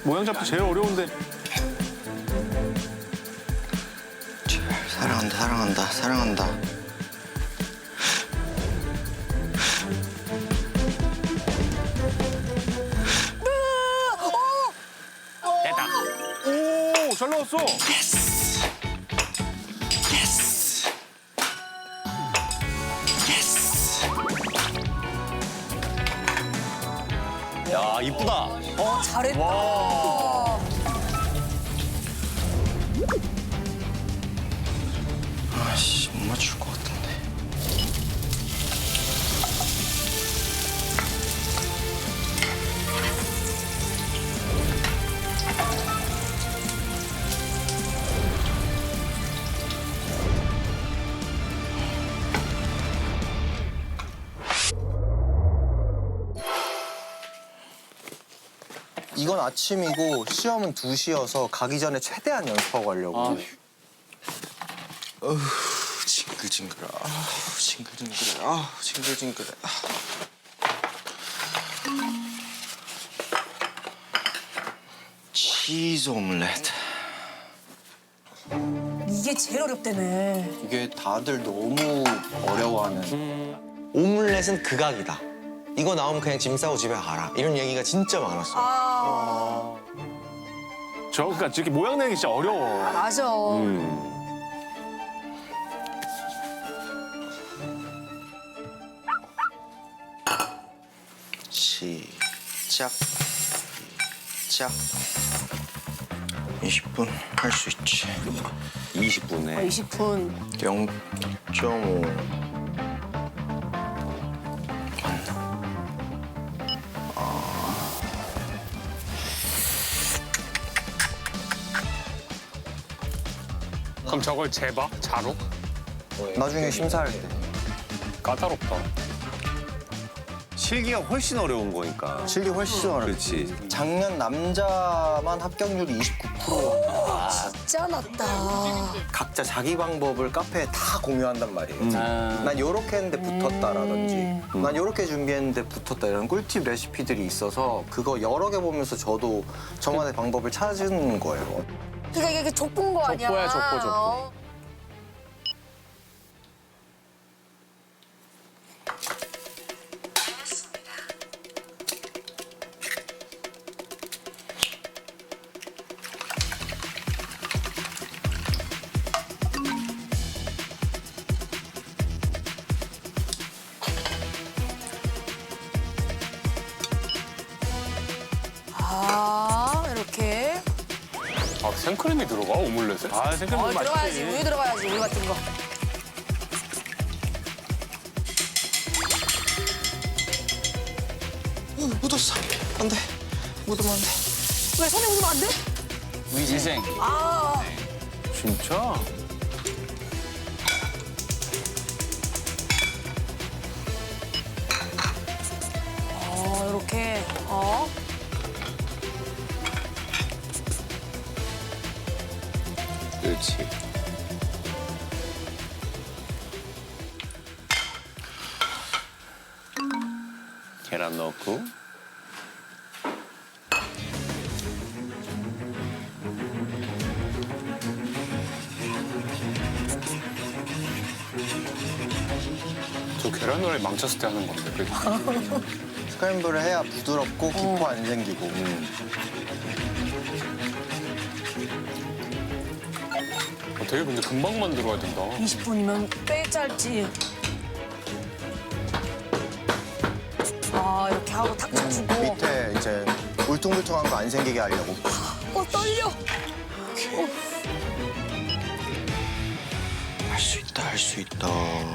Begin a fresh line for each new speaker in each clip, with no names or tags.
모양 잡기 제일 어려운데.
사랑한다, 사랑한다, 사랑한다.
됐다. 오, 잘 나왔어.
예스! 예스! 예스!
야, 이쁘다.
잘했다.
와.
아씨, 못 맞출 것 같은데. 이건 아침이고 시험은 2시여서 가기 전에 최대한 연습하고 가려고. 어휴, 징글징글해. 아우, 징글징글해. 아우, 징글징글해. 치즈 오믈렛.
이게 제일 어렵다네.
이게 다들 너무 어려워하는. 오믈렛은 극악이다. 이거 나오면 그냥 짐 싸고 집에 가라. 이런 얘기가 진짜 많았어.
아,
그러니까 이렇게 모양 내기 진짜 어려워.
맞아.
시작. 시작. 20분 할 수 있지.
20분에.
20분.
0.5.
그럼 저걸 재봐? 자로?
나중에 심사할 때.
까다롭다.
실기가 훨씬 어려운 거니까.
실기 훨씬 어렵지.
그렇지.
작년 남자만 합격률이 29%.
진짜 낮다.
각자 자기 방법을 카페에 다 공유한단 말이에요. 난 요렇게 했는데 붙었다라든지 난 요렇게 준비했는데 붙었다 이런 꿀팁 레시피들이 있어서 그거 여러 개 보면서 저도 저만의 방법을 찾은 거예요.
그러니까 이게 족본 거 아니야?
족보야, 족보.
어. 이렇게.
아, 생크림이 들어가? 오믈렛에? 아, 생크림 맛있지.
들어가야지. 우유 들어가야지. 우유 같은 거.
묻었어. 안 돼. 묻으면 안 돼.
왜 손에 묻으면 안 돼?
위생생.
아,
진짜?
이렇게.
그렇지. 계란 넣고.
저 계란 후라이 망쳤을 때 하는 건데. 그게.
스크램블을 해야 부드럽고 기포 안 생기고.
되게 근데 금방 만들어야 된다.
20분이면 꽤 짧지. 이렇게 하고 탁 쳐주고.
밑에 이제 울퉁불퉁한 거 안 생기게 하려고.
떨려.
할 수 있다, 할 수 있다.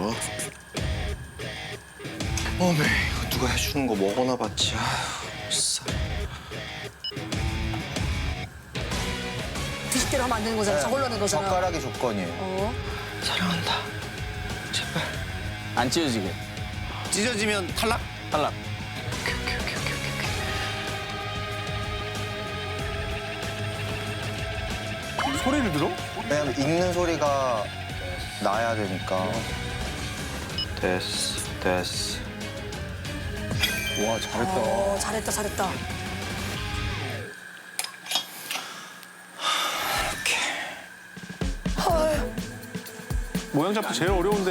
어메, 이거 누가 해주는 거 먹어나 봤지. 아휴, 싸.
뒤집기로 하면 안 되는 거잖아. 저걸로 하는 거잖아.
젓가락이 조건이에요. 사랑한다. 제발.
안 찢어지게. 찢어지면 탈락? 탈락.
소리를 들어?
왜냐면 읽는 소리가 나야 되니까. 됐어, 됐어.
와, 잘했다.
잘했다.
모양 잡기 제일 어려운데.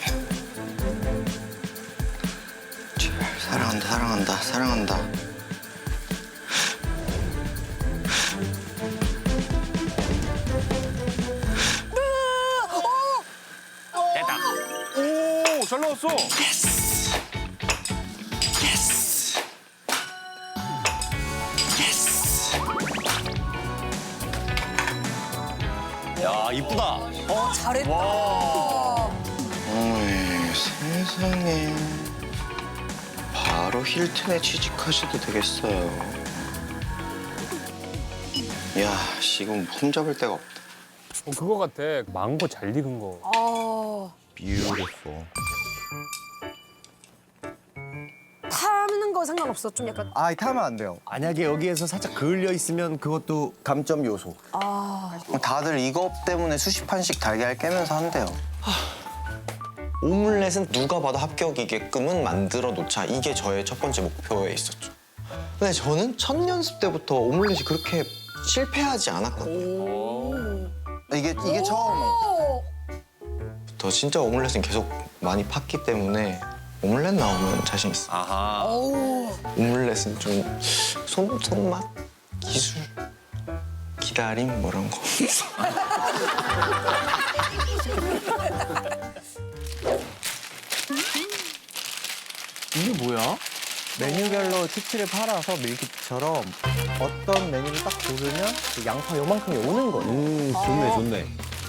사랑한다, 사랑한다, 사랑한다.
오, 잘 나왔어.
야, 이쁘다.
잘했다.
어이, 세상에. 바로 힐튼에 취직하셔도 되겠어요. 야, 지금 폼 잡을 데가 없다.
그거 같아. 망고 잘 익은 거.
Beautiful.
타는 거 상관없어. 좀 약간.
아, 타면 안 돼요.
만약에 여기에서 살짝 그을려 있으면 그것도
감점 요소. 다들 이것 때문에 수십 판씩 달걀 깨면서 한대요. 오믈렛은 누가 봐도 합격이게끔은 만들어 놓자. 이게 저의 첫 번째 목표에 있었죠. 근데 저는 첫 연습 때부터 오믈렛이 그렇게 실패하지 않았거든요. 이게 처음에. 더 진짜 오믈렛은 계속 많이 팠기 때문에 오믈렛 나오면 자신 있어.
아하.
오믈렛은 좀 손맛? 기술? 기다림? 뭐 이런 거.
이게 뭐야?
메뉴별로 치트를 팔아서 밀키트처럼 어떤 메뉴를 딱 고르면 그 양파 요만큼이 오는 거예요.
좋네 좋네.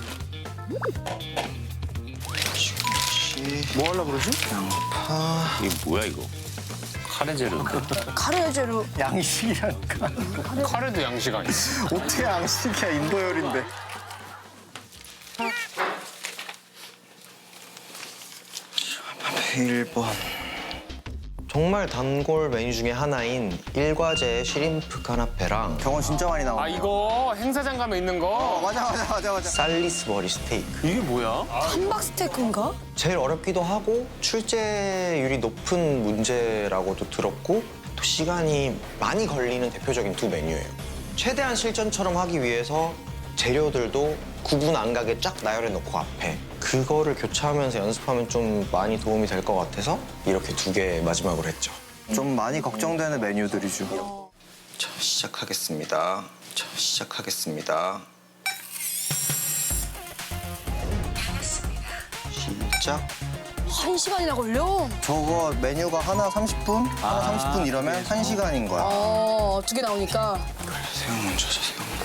뭐 하려고 그러지? 양파...
이게 뭐야, 이거? 카레제로인데?
카레제로.
양식이랄까?
카레도 양식 아니야.
어떻게 양식이야, 인도 요리인데. 일 1번. 정말 단골 메뉴 중에 하나인 일과제 시림프 카나페랑 저건 진짜 많이 나와요.
아 이거 행사장 가면 있는 거.
맞아. 살리스버리 스테이크.
이게 뭐야?
함박 스테이크인가?
제일 어렵기도 하고 출제율이 높은 문제라고도 들었고 또 시간이 많이 걸리는 대표적인 두 메뉴예요. 최대한 실전처럼 하기 위해서 재료들도 구분 안 가게 쫙 나열해 놓고 앞에 그거를 교차하면서 연습하면 좀 많이 도움이 될 것 같아서 이렇게 두 개 마지막으로 했죠. 좀 많이 걱정되는 메뉴들이죠. 자, 시작하겠습니다. 시작.
1시간이나 걸려?
저거 메뉴가 하나 30분? 하나 30분 이러면 1시간인 거야.
2개 나오니까.
새우 먼저 하자.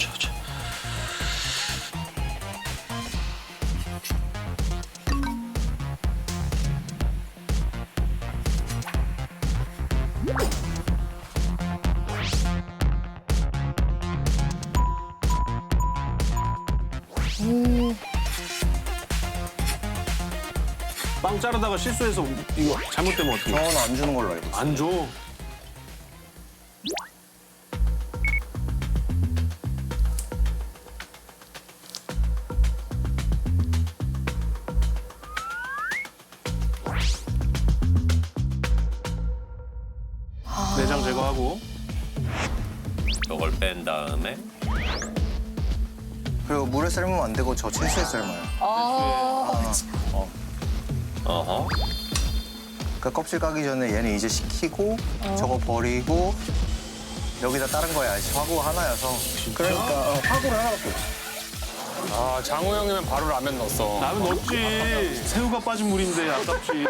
빵 자르다가 실수해서 이거 잘못되면 어떻게?
저는 안 주는 걸로 알고 있어요.
안 줘. 내장 제거하고.
저걸 뺀 다음에
그리고 물에 삶으면 안 되고 저 채소에 삶아요.
어허.
그러니까 껍질 까기 전에 얘는 이제 식히고 저거 버리고 여기다 다른 거 해야지. 화구 하나여서. 그러니까 화구를 하나밖에 없어.
아 장호 형이면 바로 라면 넣었어.
라면 넣었지. 새우가 빠진 물인데 아깝지.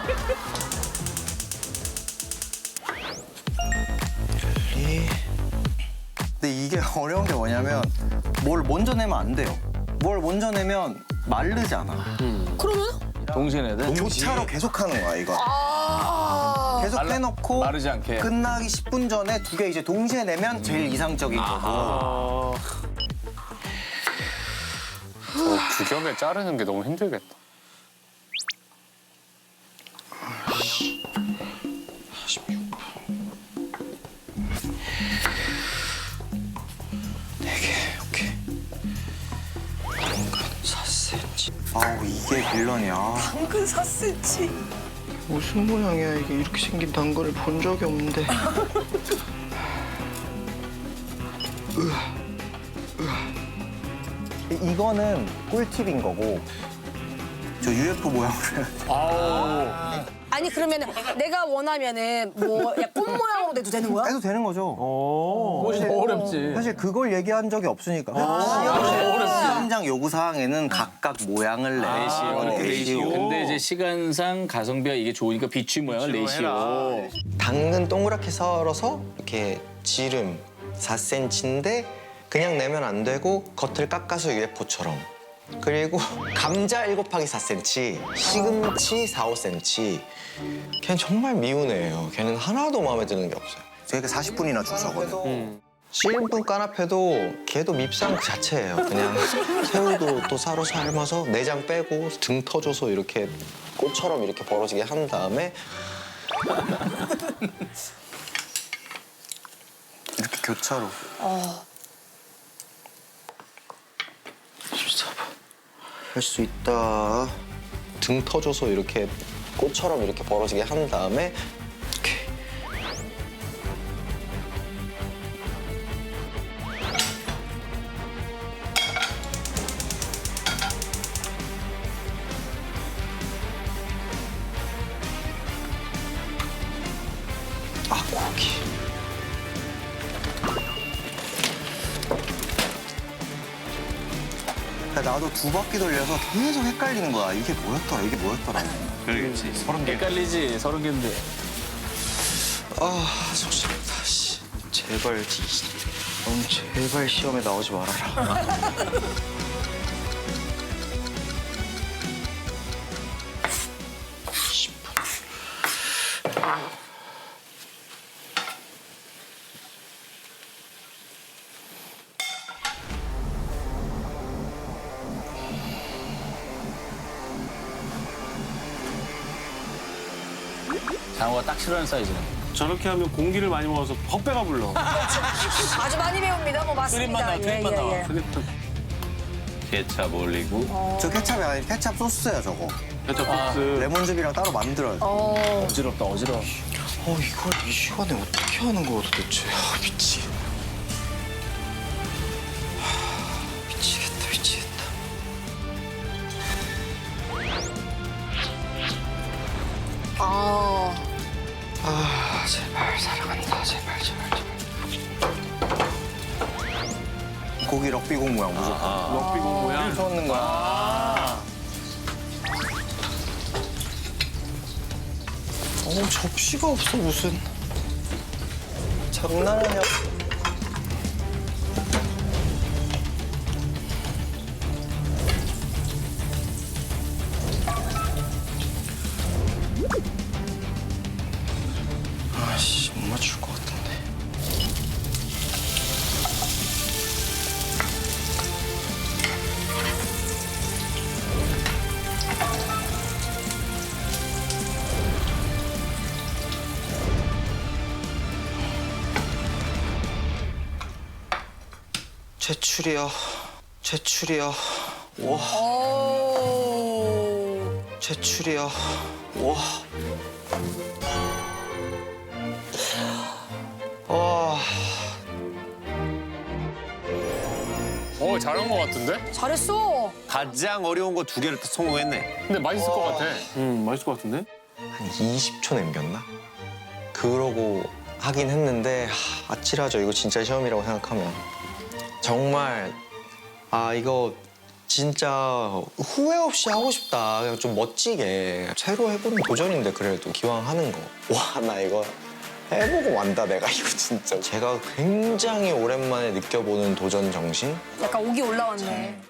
근데 이게 어려운 게 뭐냐면 뭘 먼저 내면 안 돼요. 뭘 먼저 내면 마르잖아.
그러면?
동시에 내야 돼?
교차로 계속 하는 거야, 이거. 계속 해놓고
마르지 않게.
끝나기 10분 전에 두 개 이제 동시에 내면 제일 이상적인 거고.
두 겹에 자르는 게 너무 힘들겠다.
아우, 이게 빌런이야.
당근 4cm.
무슨 모양이야, 이게. 이렇게 생긴 당근을 본 적이 없는데. 이거는 꿀팁인 거고 저 UFO 모양으로
아니 그러면 내가 원하면은 뭐 꽃 모양으로 내도 되는 거야?
해도 되는 거죠.
꽃이 더 어렵지.
사실 그걸 얘기한 적이 없으니까. 시험장 요구 사항에는 각각 모양을 내시오.
근데 이제 시간상 가성비가 이게 좋으니까 비추 모양을 내시오.
당근 동그랗게 썰어서 이렇게 지름 4cm인데 그냥 내면 안 되고 겉을 깎아서 UFO처럼. 그리고 감자 7/4cm, 시금치 4, 5cm. 걔는 정말 미운 애예요. 걔는 하나도 마음에 드는 게 없어요. 저희가 40분이나 줄 서거든. 씨름분 까나페도 걔도 밉상 그 자체예요. 그냥 새우도 또 싸로 삶아서 내장 빼고 등 터줘서 이렇게 꽃처럼 이렇게 벌어지게 한 다음에 이렇게 교차로. 할 수 있다. 등 터줘서 이렇게 꽃처럼 이렇게 벌어지게 한 다음에 이렇게. 아, 고기. 나도 두 바퀴 돌려서 계속 헷갈리는 거야. 이게 뭐였더라, 이게 뭐였더라.
그렇지. 30개.
헷갈리지 30개인데.
아, 속상하다, 씨. 제발, 제발 시험에 나오지 말아라.
장어가 딱 싫어하는 사이즈네.
저렇게 하면 공기를 많이 먹어서 헛배가 불러.
아주 많이 배웁니다. 뭐 맞습니다.
나와, 크림만 나와.
케찹 올리고.
저 케찹이 아니 케찹 소스야, 저거.
케찹 소스.
레몬즙이랑 따로 만들어요.
어지럽다 어지러워.
이걸 이 시간에 어떻게 하는 거야, 도대체. 미치. 미치겠다. 제발, 사랑한다. 제발. 고기 럭비공 모양 무조건.
럭비공 모양.
쏟는 거야. 접시가 없어, 무슨. 장난하냐. 아씨, 못 맞출 것 같은데. 제출이요. 와. 제출이요. 와.
잘한 것 같은데?
잘했어.
가장 어려운 거 2개를 성공했네.
근데 맛있을 것 같아.
맛있을 것 같은데?
한 20초 남겼나? 그러고 하긴 했는데 아찔하죠. 이거 진짜 시험이라고 생각하면. 정말 이거 진짜 후회 없이 하고 싶다. 그냥 좀 멋지게. 새로 해보는 도전인데 그래도 기왕 하는 거. 와, 나 이거 해보고 만다, 내가 이거 진짜. 제가 굉장히 오랜만에 느껴보는 도전 정신?
약간 옥이 올라왔네.